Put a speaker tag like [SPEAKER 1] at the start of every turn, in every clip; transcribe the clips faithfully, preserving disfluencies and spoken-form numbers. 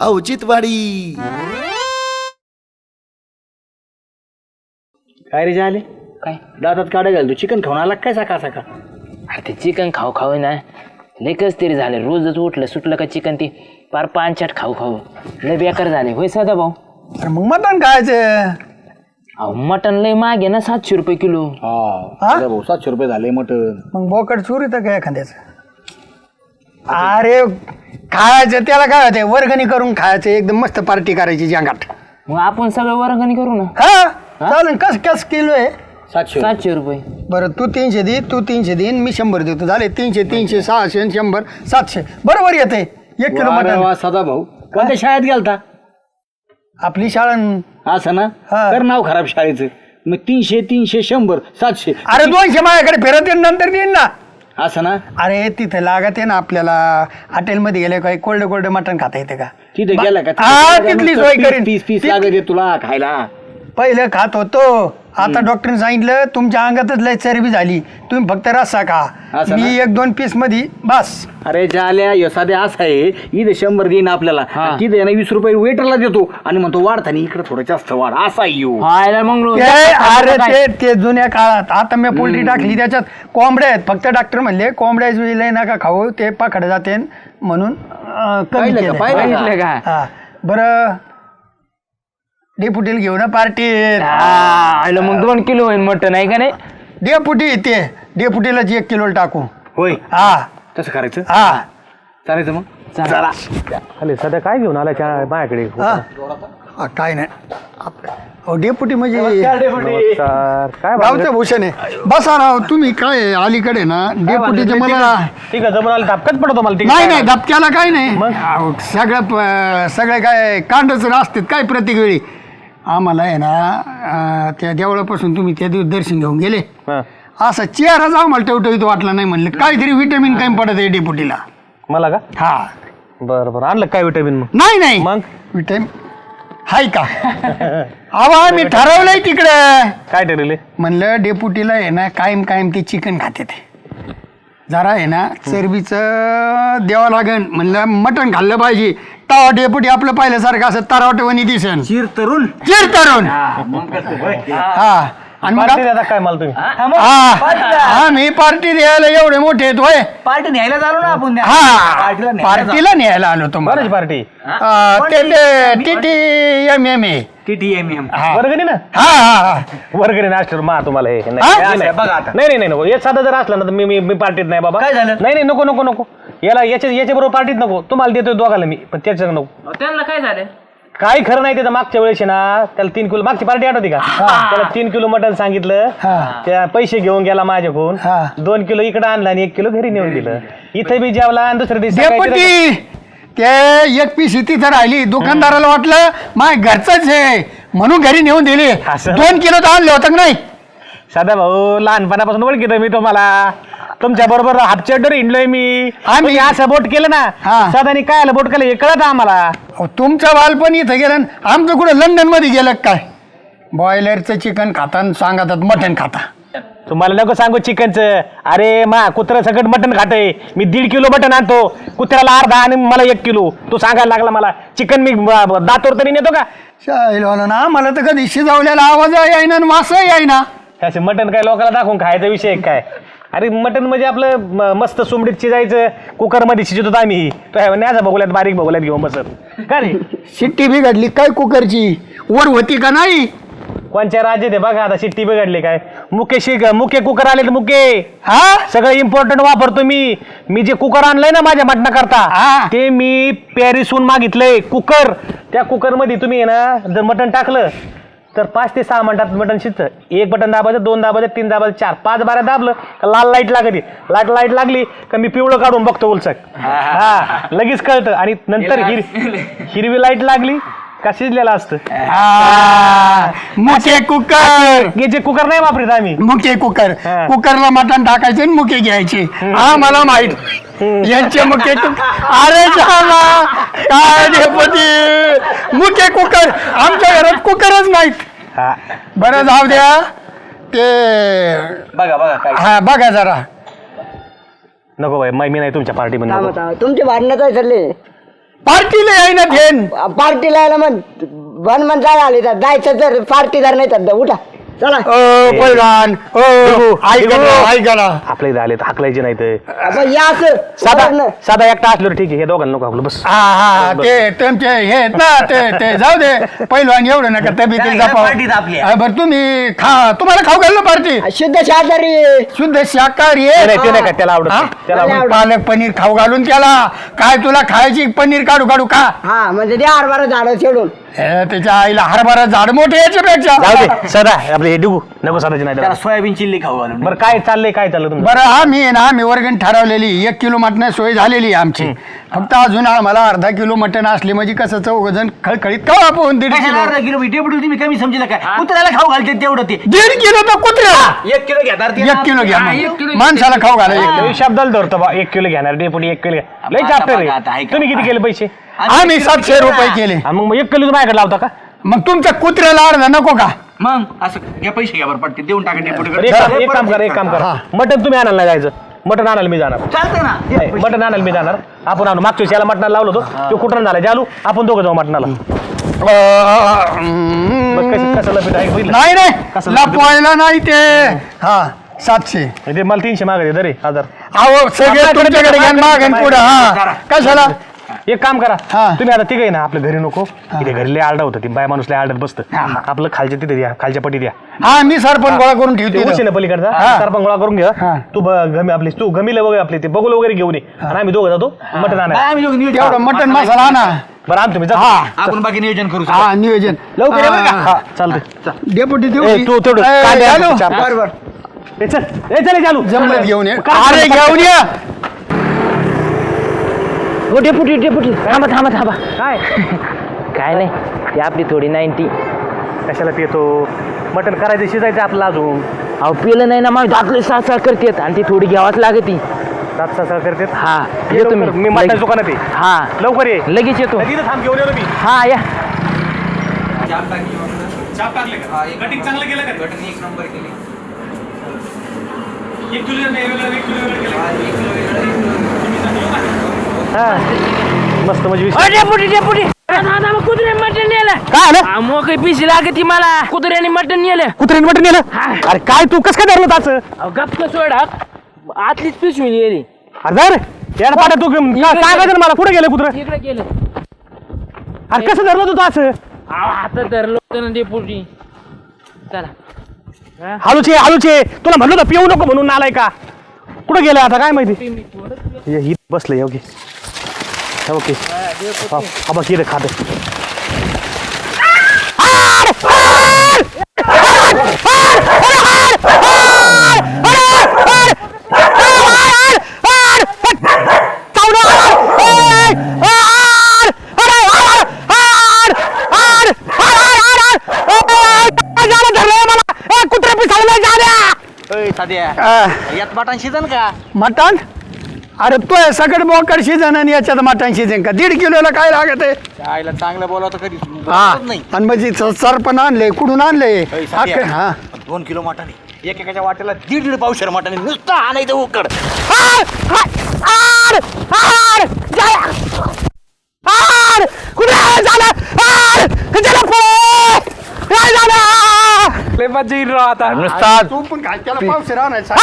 [SPEAKER 1] औचित्यवाडी.
[SPEAKER 2] काय रे झाले
[SPEAKER 3] काय
[SPEAKER 2] दातात काढा घाल तू चिकन खाऊन आला काय सकाळ सकाळ.
[SPEAKER 3] अरे ते चिकन खाऊ खाऊ ना लेकच तरी झाले. रोजच उठलं सुटलं का चिकन ती पार पानचाट खाऊ खाऊ लय बेकार झाले. होय सदा भाऊ.
[SPEAKER 4] अरे मग मटण खायचं.
[SPEAKER 3] अहो मटन लय मागे ना सातशे रुपये किलो.
[SPEAKER 2] हा भाऊ सातशे रुपये झाले मटन.
[SPEAKER 4] मग बोकड चोरी तर काय एखाद्याचं. अरे खायचं त्याला काय होते वर्गणी करून खायचं एकदम मस्त पार्टी करायची जंगाट.
[SPEAKER 3] मग आपण सगळं वर्गणी करू ना.
[SPEAKER 4] हा चालेल. कस कस किलो आहे.
[SPEAKER 2] सातशे
[SPEAKER 3] सातशे रुपये.
[SPEAKER 4] बरं तू तीनशे दे तू तीनशे देईन मी शंभर देतो. झाले तीनशे तीनशे सहाशे आणि शंभर सातशे बरोबर येते एक किलो मटण.
[SPEAKER 2] सदा भाऊ कोणत्या शाळेत गेलता.
[SPEAKER 4] आपली शाळा
[SPEAKER 2] असं ना
[SPEAKER 4] हा.
[SPEAKER 2] कर नाव खराब शाळेचं. मग तीनशे तीनशे शंभर सातशे.
[SPEAKER 4] अरे दोनशे माझ्याकडे फिरत येईन नंतर देईन ना.
[SPEAKER 2] असं ना
[SPEAKER 4] अरे तिथे लागत आहे ना आपल्याला हॉटेलमध्ये गेले काही कोल्ड कोल्ड मटण खाता येते का.
[SPEAKER 2] तिथे गेला का
[SPEAKER 4] हा तिथली सोय करीन.
[SPEAKER 2] पीस पीस लागत तुला खायला.
[SPEAKER 4] पहिलं खात होतो आता डॉक्टरने सांगितलं तुमच्या अंगातच लय चरबी झाली तुम्ही फक्त रस्सा खा.
[SPEAKER 2] असं
[SPEAKER 4] मी एक दोन पीस मध्ये बस.
[SPEAKER 2] अरे ज्याल्या यसाद्या असं आहे इथे शंभर देईन आपल्याला तिथे ना वीस रुपये वेटरला देतो आणि म्हणतो वाढताना इकडे थोडं जास्त वाढ असा येऊ.
[SPEAKER 3] हायला मग
[SPEAKER 4] ते अरे ते ते जुन्या काळात आता मी पोल्ट्री टाकली त्याच्यात कोंबड्या आहेत फक्त डॉक्टर म्हणले कोंबड्या लय नका खाऊ ते पाखड जाते म्हणून अं, कमी
[SPEAKER 2] पाहिलं का?
[SPEAKER 4] केलं.
[SPEAKER 2] पाहिलं
[SPEAKER 3] बघितलं का?
[SPEAKER 4] हा बरं डेपुटीला घेऊ ना पार्टी.
[SPEAKER 3] आयला मग दोन किलो होईल मटन आहे का नाही.
[SPEAKER 4] डेपुटी ते डेपुटीला एक किलो टाकू.
[SPEAKER 2] होय
[SPEAKER 4] हा
[SPEAKER 2] तसं करायचं.
[SPEAKER 4] हा
[SPEAKER 2] चालायचं मग.
[SPEAKER 3] चला.
[SPEAKER 5] अरे सध्या काय घेऊन आला माझ्याकडे.
[SPEAKER 4] हा हा, काय नाही अहो डेपुटी म्हणजे
[SPEAKER 5] नमस्कार. काय
[SPEAKER 4] गावचं भूषण आहे. बसा राव तुम्ही काय अलीकडे ना डेपुटीचे मला
[SPEAKER 5] ठीक आहे जमून आला धपकत पडतो मला.
[SPEAKER 4] नाही नाही धपक्याला काय नाही अहो, सगळं प- सगळे काय कांडच असतात काय प्रत्येक वेळी आम्हाला आहे ना अं, त्या देवळापासून तुम्ही त्या दिवस दर्शन घेऊन गेले असा चेहराच आम्हाला टवटवीत वाटला नाही म्हणलं काहीतरी विटॅमिन काय पडत आहे डेपुटीला.
[SPEAKER 5] मला का
[SPEAKER 4] हा
[SPEAKER 5] बरं बरं आणलं काय विटामिन मग.
[SPEAKER 4] नाही नाही
[SPEAKER 5] मग
[SPEAKER 4] विटॅमिन हाय का अहो आम्ही ठरवलंय तिकडं
[SPEAKER 5] काय ठरले.
[SPEAKER 4] म्हणलं डेपुटीला आहे ना कायम कायम ते चिकन खाते ते जरा आहे ना चरबीचं द्यावं लागन म्हणलं मटण खाल्लं पाहिजे. तवा डेपुटी आपलं पाहिल्यासारखं असं तरावटवणी दिसन
[SPEAKER 2] चिर तरुण
[SPEAKER 4] चिर तरुण हा आणि मग
[SPEAKER 5] पार्टी देता काय मला तुम्ही.
[SPEAKER 4] हा मी पार्टी द्यायला एवढे मोठे आहेत होय.
[SPEAKER 2] पार्टी न्यायला चालू ना आपण.
[SPEAKER 4] हा पार्टीला न्यायला आलो तुम्हाला.
[SPEAKER 5] बरंच party
[SPEAKER 4] T T M M A
[SPEAKER 2] T M M
[SPEAKER 5] वर्गणी ना.
[SPEAKER 4] हा हा हा
[SPEAKER 5] वर्गणी नाश्तर मा तुम्हाला हे नाही
[SPEAKER 4] हा?
[SPEAKER 5] नाही, नाही.
[SPEAKER 2] बघा आता.
[SPEAKER 5] नाही नाही नाही नको हे साधा जर असला ना तर मी मी मी पार्टीत नाही बाबा.
[SPEAKER 2] काय झालं?
[SPEAKER 5] नाही नाही नको नको नको याला याच्या याच्या बरोबर पार्टीत नको. तुम्हाला देतोय दोघाला मी पण त्याच्या नको.
[SPEAKER 3] त्यांना काय झालं.
[SPEAKER 5] काही खरं नाही त्याचं मागच्या वेळेस आहे ना त्याला तीन किलो मागची पार्टी आठवती का त्याला तीन किलो मटण सांगितलं
[SPEAKER 4] हा.
[SPEAKER 5] त्या पैसे घेऊन गेला माझ्याकडून
[SPEAKER 4] हा.
[SPEAKER 5] दोन किलो इकडे आणला आणि एक किलो घरी नेऊन दिलं. इथे बी जेवला आणि दुसऱ्या दिवशी सकाळी
[SPEAKER 4] डेपुटी ते एक पीस तिथं राहिली दुकानदाराला वाटलं माय घरचंच आहे म्हणून घरी नेऊन दिली.
[SPEAKER 5] असं?
[SPEAKER 4] दोन किलो तर आणले होतं का नाही.
[SPEAKER 5] सदा भाऊ लहानपणापासून ओळखीतोय मी तुम्हाला. तुमच्या बरोबर हापचेडर हिंडलोय मी. आम्ही असं बोट केलं ना
[SPEAKER 4] हा.
[SPEAKER 5] सदानी काय आलं बोट केलं हे कळत आम्हाला.
[SPEAKER 4] अहो, तुमचं बालपण इथं गेलं न आमचं कुठं लंडन मध्ये गेलं का काय. बॉयलरचं चिकन खाता आणि सांगतात मटण खाता.
[SPEAKER 5] तुम्हाला नको सांगू चिकनचं. अरे मा कुत्रा सगळं मटण खातंय. मी दीड किलो मटण आणतो कुत्र्याला अर्धा आणि मला एक किलो. तू सांगायला लागला मला चिकन मी ब- ब- दातोर तरी नेतो का.
[SPEAKER 4] शाळेला ना मला तर कधी शिजवलेला आवाज येईना आणि वास येईना.
[SPEAKER 5] त्याचे मटण काय लोकांना दाखवून खायचा विषय आहे काय. अरे मटण म्हणजे आपलं म- मस्त सुमडीत शिजायचं कुकरमध्ये शिजत होतो आम्ही. तो न्याचा बघूल्यात बारीक बघूल्यात घेऊन बसत का रे.
[SPEAKER 4] शिट्टी बिघडली काय कुकरची वर होती का नाही.
[SPEAKER 5] कोणच्या राज्यात आहे बघा आता शिट्टी बिघडली काय. मुके शिक मुके कुकर आले मुके.
[SPEAKER 4] हा
[SPEAKER 5] सगळं इम्पॉर्टंट वापरतो मी. मी जे कुकर आणलंय ना माझ्या मटणा
[SPEAKER 4] हा.
[SPEAKER 5] करता ते मी पॅरिसहून मागितलंय कुकर. त्या कुकर मध्ये तुम्ही आहे ना जर मटण टाकलं तर पाच ते सहा मिनिटात मटण शिजतं. एक बटन दाबायचं दोन दाबायचं तीन दाबायचं चार पाच बारा दाबलं का लाल लाईट लागते. लाईट लाईट लागली का मी पिवळं काढून बघतो उलसक. हा लगेच कळतं. आणि नंतर हिर हिरवी लाईट लागली का शिजलेलं असतं.
[SPEAKER 4] मुके कुकर
[SPEAKER 5] हे जे कुकर नाही वापरत आम्ही.
[SPEAKER 4] मुके कुकर
[SPEAKER 5] हा.
[SPEAKER 4] कुकरला मटण टाकायचे आणि मुके घ्यायचे. हा मला माहित यांचे मुके कुकर. अरे झाला काय डेपुटी मुके कुकर आमच्या घरात कुकरच नाहीत.
[SPEAKER 5] हा
[SPEAKER 4] बरं जाऊ द्या ते
[SPEAKER 2] बघा बघा काय
[SPEAKER 4] हा बघा जरा.
[SPEAKER 5] नको बाई मी नाही तुमच्या पार्टीमध्ये नको.
[SPEAKER 6] तुमचे भांडणं काय चालले.
[SPEAKER 4] पार्टीला आहे ना धेन
[SPEAKER 1] पार्टीला यायला मग बन मन जायला आले तर जायचं तर पार्टीदार नाही तर उठा चला
[SPEAKER 4] पैलवान ओ ऐका ना, ऐका ना.
[SPEAKER 5] आपल्या इथे आले तर हाकलायचे नाही तर
[SPEAKER 1] आता या असं
[SPEAKER 5] साधा
[SPEAKER 1] वरनं.
[SPEAKER 5] साधा एकटा असलो तर ठीक आहे हे दोघांना नको आपलं बस
[SPEAKER 4] हा हा ते तुमचे हे आहेत ना ते ते जाऊ दे पैलवान एवढं नका तब्येतीला
[SPEAKER 2] काय पार्टीत आपली?
[SPEAKER 4] जपाव बरं तुम्ही खा तुम्हाला खाऊ घाललं पार्टी
[SPEAKER 1] शुद्ध शाकाहारी
[SPEAKER 4] शुद्ध शाकाहारी
[SPEAKER 5] ते
[SPEAKER 4] आहे
[SPEAKER 5] नाही ते नाही का त्याला आवडत
[SPEAKER 4] हा?
[SPEAKER 5] नाही. त्याला
[SPEAKER 1] मला
[SPEAKER 5] आवडत
[SPEAKER 4] पालक पनीर खाऊ घालून त्याला काय तुला खायची पनीर काढू काढू खा
[SPEAKER 1] हा म्हणजे द्या हरभरा झाड सोडून
[SPEAKER 4] हे, त्याच्या आईला हरभरा झाड मोठे याच्यापेक्षा
[SPEAKER 5] जाऊ दे सदा आपले हे डिगू नको सदाची नाही
[SPEAKER 2] त्याला
[SPEAKER 5] त्याला.
[SPEAKER 2] सोयाबीन चिल्ली खाऊ घालून
[SPEAKER 5] बरं काय चाललंय काय चाललं तुमचं
[SPEAKER 4] बरं आम्ही आहे ना आम्ही वर्गण ठरवलेली एक किलो मटण सोय झालेली आहे आमची फक्त अजून आम्हाला अर्धा किलो मटण असले म्हणजे कसं चौघ जण खळखळीत का आपण दीड
[SPEAKER 2] कशाला
[SPEAKER 4] किलो
[SPEAKER 2] अर्धा किलो डेपुटी तुम्ही कमी समजला काय कुत्र्याला खाऊ घालते तेवढं ते
[SPEAKER 4] दीड किलो तर कुत्र्याला
[SPEAKER 2] एक किलो घेणार ते
[SPEAKER 4] एक किलो घ्या
[SPEAKER 2] हा,
[SPEAKER 4] मग.
[SPEAKER 2] एक किलो
[SPEAKER 4] माणसाला खाऊ घाला एक किलो.
[SPEAKER 5] लय शब्दाला धरतो बा एक किलो घेणार डेपुटी एक किलो घ्या. लय
[SPEAKER 2] आता
[SPEAKER 5] चापटे रे
[SPEAKER 2] बघा, आता ऐका.
[SPEAKER 5] तुम्ही किती केले पैसे
[SPEAKER 4] आम्ही सातशे रुपये केले
[SPEAKER 5] आणि मग एक किलो माझ्याकडे लावता का
[SPEAKER 4] मग तुमच्या कुत्र्याला अर्धा नको का
[SPEAKER 2] मग असं घ्या पैसे घ्या बरं पडते देऊन टाका
[SPEAKER 5] बरं,
[SPEAKER 2] डेपुटी
[SPEAKER 5] एक काम- एक काम करा एक काम करा मटन तुम्ही आणायला नाही जायचं मटन आणायला मी जाणार
[SPEAKER 2] चालतंय ना
[SPEAKER 5] नाही, मटन आणायला मी जाणार आपण आणू मागच्या वेळेस याला मटणाला लावलं होतं तो कुठं झाला जालू आपण दोघं जाऊ मटणाला बघ कसं कसं लपीट आहे बघितलं?
[SPEAKER 4] नाही नाही
[SPEAKER 5] कसं
[SPEAKER 4] लपवायला नाही ते हा सातशे
[SPEAKER 5] ते मला तीनशे मागायचे दरे हजार
[SPEAKER 4] अहो सगळे तुमच्याकडे घ्या मागेन पुढं हा कशाला
[SPEAKER 5] एक काम करा
[SPEAKER 4] हा.
[SPEAKER 5] तुम्ही आता तिघ आहे ना आपल्या घरी नको इथे घरी लय आरडा होतं ती बाय माणूस लय आरडत बसतं आपलं खालच्या तिथे द्या खालच्या पट्टी द्या
[SPEAKER 4] हा मी सरपंच गोळा करून
[SPEAKER 5] ते
[SPEAKER 4] ठेवतो
[SPEAKER 5] उशी ना पलीकडचा
[SPEAKER 4] हा.
[SPEAKER 5] सरपंच गोळा करून घ्या
[SPEAKER 4] हा.
[SPEAKER 5] तू ब- गमी आपली तू गमीला वगैरे आपले ते बगुल वगैरे घेऊन ये आणि आम्ही दोघं जातो मटण आणायला
[SPEAKER 2] आम्ही दोघं नियोजन
[SPEAKER 4] तेवढं मटन मसाला आणा
[SPEAKER 5] बरं आण तुम्ही जा
[SPEAKER 4] हा
[SPEAKER 2] आपण बाकी नियोजन करू
[SPEAKER 4] हा नियोजन
[SPEAKER 2] लवकर ये बरं का?
[SPEAKER 5] हा चालतंय
[SPEAKER 4] डेपुटी देऊ
[SPEAKER 5] ए,
[SPEAKER 4] की?
[SPEAKER 5] तू तेवढं
[SPEAKER 4] ए,
[SPEAKER 5] कांदे आण
[SPEAKER 4] चालू?
[SPEAKER 5] चार पाच.
[SPEAKER 4] बरं,
[SPEAKER 5] ए, चल ए, चल ए, चालू
[SPEAKER 4] जमलं घेऊन ये
[SPEAKER 5] काय
[SPEAKER 4] अरे
[SPEAKER 5] करतो?
[SPEAKER 4] घेऊन ये
[SPEAKER 3] हो डेपुटी डेपुटी थांबा थांबा थांबा
[SPEAKER 5] काय
[SPEAKER 3] काय नाही ती आपली थोडी नाईन्टी
[SPEAKER 5] कशाला पितो मटण करायचं शिजायचं आपलं अजून
[SPEAKER 3] अहो पिलं नाही ना मग दाखले सात सात करतेत आणि ती थोडी घ्यावाच लागते
[SPEAKER 5] सात सहा करते
[SPEAKER 3] हा
[SPEAKER 5] ये
[SPEAKER 3] येतो
[SPEAKER 5] लवकर, मी मटणाच्या दुकानात आहे
[SPEAKER 3] हा
[SPEAKER 5] लवकर ये
[SPEAKER 3] लगेच येतो
[SPEAKER 5] तिथं थांब घेऊन येतो मी
[SPEAKER 3] हा या
[SPEAKER 6] कटिंग चांगलं केलं का कटिंग एक नंबर केली एक किलो नाही वेगळं एक किलो वेगळं
[SPEAKER 5] हा मस्त म्हणजे विषय.
[SPEAKER 3] अ, डेपुटी डेपुटी कुत्र्याने मटण नेलं
[SPEAKER 5] काय आलं
[SPEAKER 3] मोकळी पिशी लागते मला कुत्र्याने मटण नेलं
[SPEAKER 5] कुत्र्याने मटण नेलं
[SPEAKER 3] हा.
[SPEAKER 5] अरे काय तू कसं काय धरलं ताचं
[SPEAKER 3] अहो, गप्प सोड हा. आतलीच पिशवी नेली
[SPEAKER 5] अरे जा रे यार पाठा तू गं- का- सांगायचं ना मला कुठे गेलं कुत्र
[SPEAKER 3] इकडे गेलं
[SPEAKER 5] अरे कसं धरलं तू ताचं
[SPEAKER 3] अहो, आता धरलं होतं ना डेपुटी चला
[SPEAKER 5] हालूचे हालूचे तुला म्हणलं होतं पिऊ नको म्हणून आलाय का कुठे गेलं आता काय माहिती हे ही बसलं ओके ओके हा बघ इथे खात कुत्रे पिसाळलं जा
[SPEAKER 2] साध्या
[SPEAKER 4] आ,
[SPEAKER 2] यात मटण शिजन का
[SPEAKER 4] मटण अरे तो सगळं बोकड शिजन आणि याच्यात मटण शिजन का दीड किलोला काय लागत आहे
[SPEAKER 2] आईला चांगलं बोलावं कधी
[SPEAKER 4] हा
[SPEAKER 2] बोलतच नाही
[SPEAKER 4] आणि म्हणजे स- सरपण आणले कुठून आणले
[SPEAKER 2] अय, साध्या,
[SPEAKER 4] अख्खे- हा
[SPEAKER 2] दोन किलो मटण आहे एकेकाच्या वाटेला दीड दीड पावशेर मटण आहे. नुसतं आणायचं उकड
[SPEAKER 5] नुसता
[SPEAKER 4] तू पण काय त्याला पावशेर आणायचा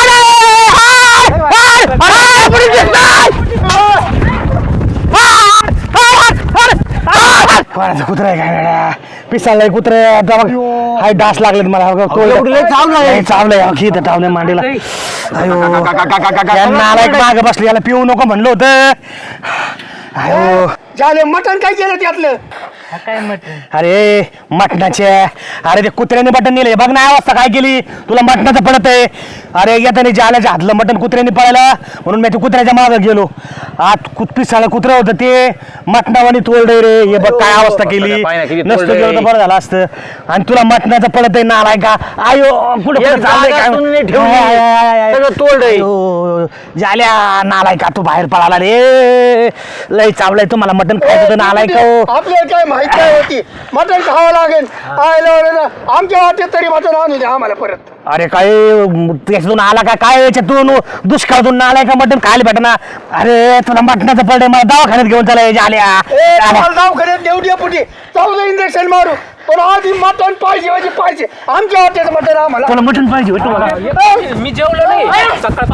[SPEAKER 5] कोणाचं कुत्रा आहे काय वेड्या? पिसाळलंय कुत्रे आता बघ हाय डास लागलेत मला बघ. तो
[SPEAKER 2] लय चावलंय.
[SPEAKER 5] लय चावलंय अहो, इथं चावलंय मांडीला अयो या नालायक मागं बसले याला पिऊ नको म्हणलं होतं अयो
[SPEAKER 4] झाले मटण काय केलं त्यातलं
[SPEAKER 3] काय मटण
[SPEAKER 5] अरे मटणाचे अरे ते कुत्र्याने मटण नेले बघ ना अवस्था काय केली तुला मटणाचं पडत आहे अरे येताना जाल्याच्या हातलं मटण कुत्र्याने पळायला म्हणून मी ते कुत्र्याच्या मागं गेलो आत कुत पिसाळं कुत्रं होतं ते मटणावानी तोडलंय रे हे बघ काय अवस्था केली
[SPEAKER 2] पाय ना किती
[SPEAKER 5] नसतं
[SPEAKER 2] तोडलंय.
[SPEAKER 5] गेलं तर बरं झालं असतं आणि तुला मटणाचं पडत आहे नालाय का आयो कुठं
[SPEAKER 2] एक
[SPEAKER 5] कुठं चाललंय
[SPEAKER 2] जागा
[SPEAKER 5] काय?
[SPEAKER 2] तुम्ही ठेवली.
[SPEAKER 5] आय, आय, आय, आय.
[SPEAKER 2] सगळं तोडलंय.
[SPEAKER 5] अयो, जाल्या नालाय का तू बाहेर पळाला रे लय चावलंय तुम्हाला मटण खायचं होतं नालाय का हो?
[SPEAKER 4] आपल्याला काय माहित काय होती मटण खावं लागेल आयला वळलं. आमच्या वाटेत तरी मटण आणू द्या आम्हाला परत
[SPEAKER 5] अरे काय त्याच्यातून आला का काय याच्यातून दुष्काळातून आलाय का मटण खायला भेटना अरे तुला मटणाचं पडे मला दवाखान्यात घेऊन चालायचे आल्या
[SPEAKER 4] दवाखान्यात देऊ द्या पुढे चौदा इंजेक्शन मारू पण आधी मटण पाहिजे म्हणजे पाहिजे आमच्या हॉटेल मटण आम्हाला
[SPEAKER 5] तुला मटण पाहिजे होय तुम्हाला
[SPEAKER 3] मी जेवलो नाही सकाळ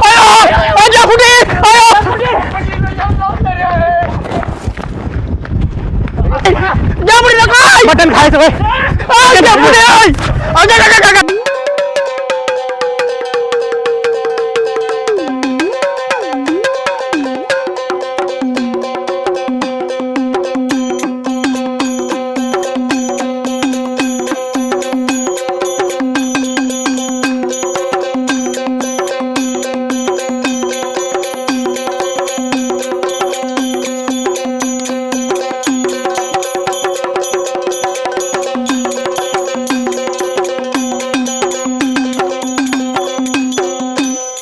[SPEAKER 5] मटण खायचं